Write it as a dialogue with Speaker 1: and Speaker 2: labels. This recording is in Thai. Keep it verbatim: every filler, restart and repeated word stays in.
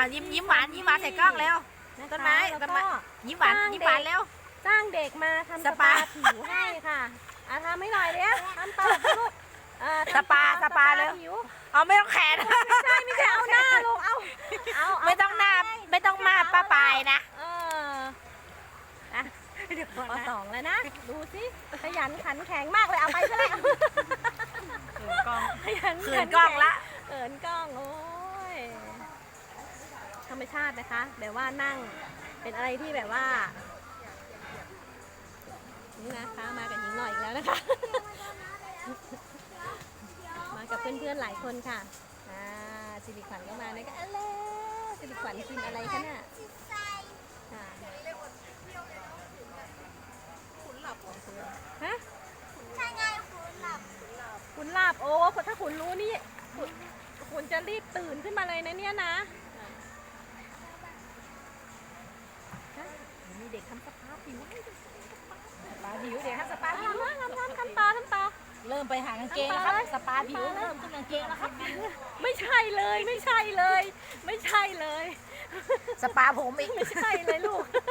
Speaker 1: ยิ้มยิ้มหวานยิ้มหวานใส่กล้องแล้วต้นไม้ต้นไม้ยิ้มหวานยิ้มหวานแล้ว
Speaker 2: จ้างเด็กมาทำสปาผิวให้ค่ะอ่ะทำให้หน่อยเดี๋ยวทำต่อลูก
Speaker 1: สปาสปาเลยเอาไม่ต้องแขน
Speaker 2: ไม่ใช่ไม่ใช่เอาหน้าลงเอาเอา
Speaker 1: ไม่ต้องหน้าไม่ต้องมาป้าปลายนะ
Speaker 2: เอออ่ะพอสองแล้วนะดูสิขยันขันแข็งมากเลยเอาไปซะแล้ว
Speaker 1: เขินกล้อง
Speaker 2: ขยัน
Speaker 1: เขินกล้องละ
Speaker 2: เขินกล้องโอ้ยธรรมชาตินะคะแบบว่านั่งเป็นอะไรที่แบบว่านี่นะคะมากับหญิงหน่อยอีกแล้วนะคะมากับเพื่อนๆหลายคนค่ะอ่าสิริขวัญก็มานะคะอะไรสิริขวัญกินอะไรคะเนี่ยค่ะขุนหลับของคุณฮะใช่ไงขุนหลับขุนหลับโอ้ถ้าขุนรู้นี่ขุนขุนจะรีบตื่นขึ้นมาเลยนะเนี่ยนะมีเด็กทำสปาผิวสปาผิวเด็กทำสปาผิวทำทำทำต่อทำต่อ
Speaker 1: เริ่มไปหากางเกงแล้วครับสปาผิวเริ่มขึ้นกางเกงแล้วครับ
Speaker 2: ไม่ใช่เลยไม่ใช่เลยไม่ใช่เลย
Speaker 1: สปาผมอีก
Speaker 2: ไม่ใช่เลยลูก